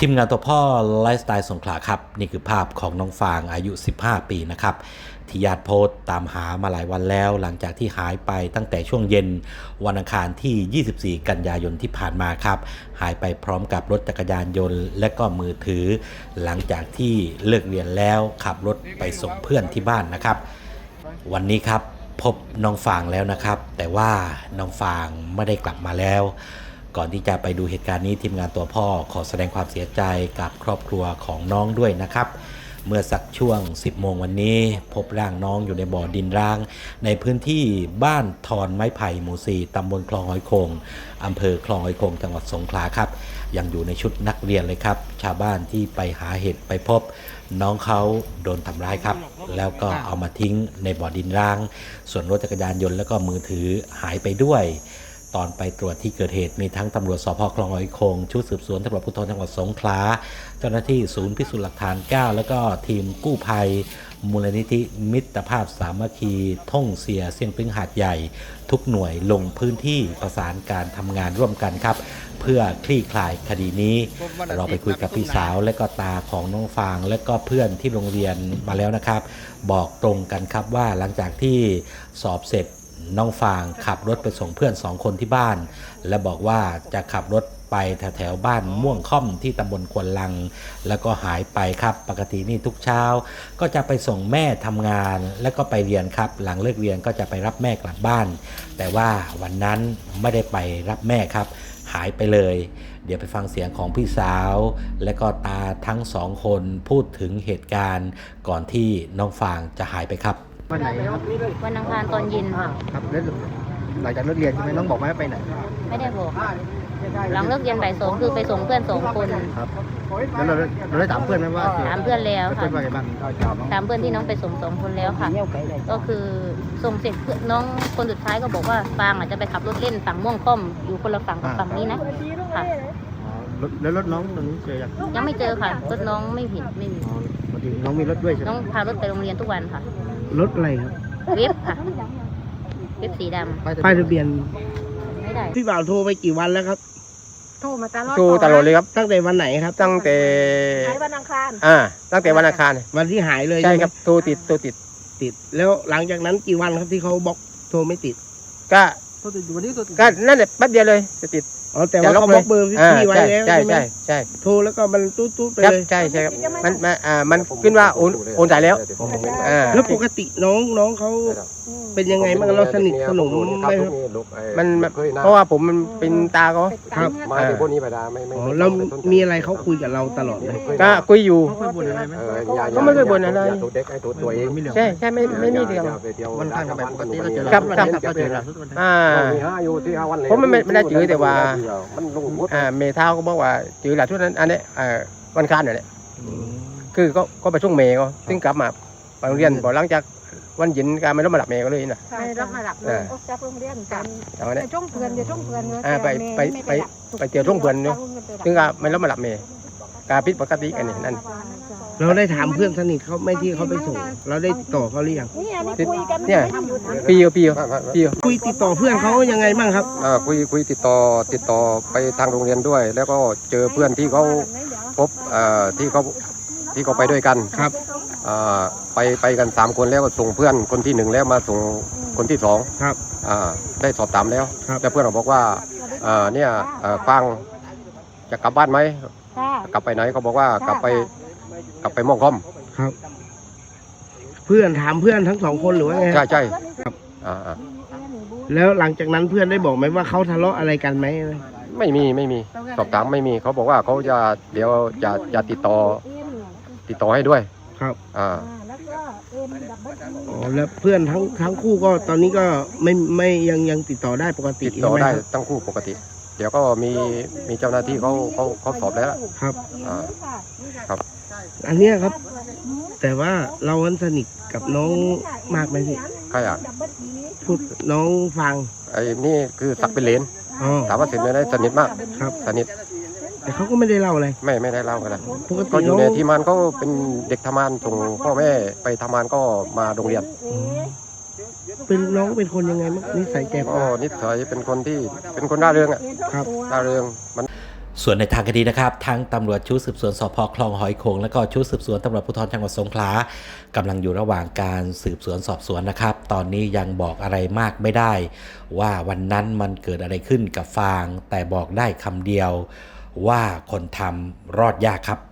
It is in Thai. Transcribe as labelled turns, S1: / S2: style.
S1: ทีมงานตัวพ่อไลฟ์สไตล์สงขลาครับนี่คือภาพของน้องฟางอายุ15ปีนะครับที่ญาติโพสต์ตามหามาหลายวันแล้วหลังจากที่หายไปตั้งแต่ช่วงเย็นวันอังคารที่24กันยายนที่ผ่านมาครับหายไปพร้อมกับรถจักรยานยนต์และก็มือถือหลังจากที่เลิกเรียนแล้วขับรถไปส่งเพื่อนที่บ้านนะครับวันนี้ครับพบน้องฟางแล้วนะครับแต่ว่าน้องฟางไม่ได้กลับมาแล้วก่อนที่จะไปดูเหตุการณ์นี้ทีมงานตัวพ่อขอแสดงความเสียใจกับครอบครัวของน้องด้วยนะครับเมื่อสักช่วง 10 โมงวันนี้พบร่างน้องอยู่ในบ่อดินร้างในพื้นที่บ้านทอนไม้ไผ่หมู่ 4 ตำบลคลองหอยโขงอำเภอคลองหอยโขงจังหวัดสงขลาครับยังอยู่ในชุดนักเรียนเลยครับชาวบ้านที่ไปหาเห็ดไปพบน้องเขาโดนทำร้ายครับแล้วก็เอามาทิ้งในบ่อดินร้างส่วนรถจักรยานยนต์แล้วก็มือถือหายไปด้วยตอนไปตรวจที่เกิดเหตุมีทั้งตำรวจสพคลองหอยโขงชุดสืบสวนตำรวจภูธรจังหวัดสงขลาเจ้าหน้าที่ศูนย์พิสูจน์หลักฐาน 9 แล้วก็ทีมกู้ภัยมูลนิธิมิตรภาพสามัคคีท่งเสียเสียงพึ่งหาดใหญ่ทุกหน่วยลงพื้นที่ประสานการทำงานร่วมกันครับเพื่อคลี่คลายคดีนี้เราไปคุยกับพี่สาวและก็ตาของน้องฟางและก็เพื่อนที่โรงเรียนมาแล้วนะครับบอกตรงกันครับว่าหลังจากที่สอบเสร็จน้องฟางขับรถไปส่งเพื่อน2 คนที่บ้านและบอกว่าจะขับรถไปแถวบ้านม่วงค่อมที่ตำบลควนลังแล้วก็หายไปครับปกตินี่ทุกเช้าก็จะไปส่งแม่ทำงานแล้วก็ไปเรียนครับหลังเลิกเรียนก็จะไปรับแม่กลับบ้านแต่ว่าวันนั้นไม่ได้ไปรับแม่ครับหายไปเลยเดี๋ยวไปฟังเสียงของพี่สาวและก็ตาทั้ง2 คนพูดถึงเหตุการณ์ก่อนที่น้องฟางจะหายไปครับ
S2: วันไหนครับ
S3: วันอังคารตอนเย็นค่ะ
S2: ครับแล้วหลังจากเลิกเรียนใช่ไหมน้องบอกไหมว่าไปไหน
S3: ไม่ได้บอกหลังเลิกเรียนบ่าย 2คือไปส่งเพื่อน2 คน
S2: ครับแล้วเราได้ถามเพื่อนไหมว่า
S3: ถามเพื่อนแล้วค่ะ
S2: เพื่อนว่าไงบ้าง
S3: ถามเพื่อนที่น้องไปส่ง2 คนแล้วค่ะก็คือส่งเสร็จน้องคนสุดท้ายก็บอกว่าฟางอาจจะไปขับรถเล่นฝั่งม่วงค่อมอยู่คนละฝั่งกับฝั่งนี้นะค่ะ
S2: แล้วรถน้องตอนนี้เจอ
S3: ยังไม่เจอค่ะรถน้องไม่เห็นไม่มี
S2: พอดีน้องมีรถด้วยใช่ไหม
S3: น้องพารถไปโรงเรียนทุกวันค่ะ
S2: รถอะไรครับ
S3: เว็บค่ะเว็บสีดำ
S2: ป้ายทะเบียน
S3: ไม่ได้
S2: พี่บ่าวโทรไปกี่วันแล้วครับ
S3: โทรมาตลอด
S2: เลยครับตั้งแต่วันไหนครับ
S4: ตั้งแต่
S3: วันอังคาร
S4: ตั้งแต่วันอังคาร
S2: วันที่หายเลย
S4: ใช่ครับโทรติด
S2: แล้วหลังจากนั้นกี่วันครับที่เขาบอกโทรไม่ติด
S4: ก็นั่นแหละแป๊บเดียวเลยจะติด
S2: แต่ว่าเขาบล็อกเบอร์พี่ไว้แล้ว
S4: ใช่ใช่
S2: โทรแล้วก็มันตู้ไปเลย
S4: ใช่ครับมันขึ้นว่าโอนจ่ายแล้ว
S2: แล้วปกติน้องเขาเป็นยังไงบ้างเราสนิทสนมไหมครับ
S4: มันเพราะว่าผมมันเป็นตาเขา
S2: ครับ
S4: มาถึงพวกนี้ไปได้ไม่
S2: เรามีอะไรเขาคุยกับเราตลอดเลย
S4: ก็คุยอยู่
S2: เขาบ่นอะไรไหม
S4: เขาไม่เคยบ่นอะไร
S2: ตัวเอง
S4: ใช่ไม่มีเรื่อง
S2: มันทางกันแบบปกติเราเจอ
S4: ครับผมไม่ได้จือแต่ว่าเมท้าก็บอกว่าจือหลักชุดนั้นอันนี้วันคานนี่แหละคือก็ไปช่วงเมย์ก็ซึ่งกลับมาไปโรงเรียนพอหลังจากวันหยินการไม่รับมาหลับเมย์ก็เลยนะ
S3: ไม่รับมาหลับเลยจากโรงเรียนกันไปช่วงเพื่อนเดี๋ยวช่วงเพื่อน
S4: ไปเจอช่วงเพื่อนเนาะซึ่งก็ไม่รับมาหลับเมย์การพิษปกติกันนี่นั่น
S2: เราได้ถามเพื่อนสนิทเขาไม่ที่เขาไปส่งเราได้ต่อเขาหรือยัง
S4: เนี่ยปี
S2: คุยติดต่อเพื่อนเขายังไงบ้างครับ
S4: คุยติดต่อไปทางโรงเรียนด้วย แล้วก็เจอเพื่อนที่เขาพบที่เขาไปด้วยกัน
S2: ครับ
S4: ไปกัน3 คนแล้วก็ส่งเพื่อนคนที่1แล้วมาส่งคนที่2
S2: ครับ
S4: ได้สอบถามแล้วแต่เพื่อนเราบอกว่าเนี่ยฟังจะกลับบ้านไหมกลับไปไหนเขาบอกว่ากลับไปม่วงค่อม
S2: ครับเพื่อนถามเพื่อนทั้ง2 คนหรือว่าไง
S4: ใช่
S2: ครับแล้วหลังจากนั้นเพื่อนได้บอกไหมว่าเขาทะเลาะอะไรกันไหม
S4: ไม่มีสอบถามไม่มีเขาบอกว่าเขาจะเดี๋ยวจะติดต่อให้ด้วย
S2: ครับแล้วเพื่อนทั้งคู่ก็ตอนนี้ก็ไม่ยังติดต่อได้ปกติ
S4: ติดต่อได้ทั้งคู่ปกติเดี๋ยวก็มีเจ้าหน้าที่เขาสอบแล้ว
S2: ครับ
S4: ครับ
S2: อันนี้ครับแต่ว่าเราสนิทกับน้องมากไหมพี่
S4: ใคร
S2: พูดน้องฟัง
S4: ไอ้นี่คือสักเป็นเหลนถามว่าสนิทไหมสนิทมาก
S2: ครับ
S4: สนิท
S2: แต่เขาก็ไม่ได้เล่าอะไร
S4: ไม่ได้เล่ากันก็อยู่ในที่มันก็เป็นเด็กทำงานส่งพ่อแม่ไปทำงานก็มาโรงเรียน
S2: เป็นน้องเป็นคนยังไงมั้งนิสัยแก
S4: นิสัยเป็นคนที่เป็นคนร่าเริง
S2: ครับ
S4: ร่าเริงมัน
S1: ส่วนในทางคดีนะครับทั้งตำรวจชุดสืบสวนสพคลองหอยโขงและก็ชุดสืบสวนตำรวจภูธรจังหวัดสงขลากำลังอยู่ระหว่างการสืบสวนสอบสวนนะครับตอนนี้ยังบอกอะไรมากไม่ได้ว่าวันนั้นมันเกิดอะไรขึ้นกับฟางแต่บอกได้คำเดียวว่าคนทำรอดยากครับ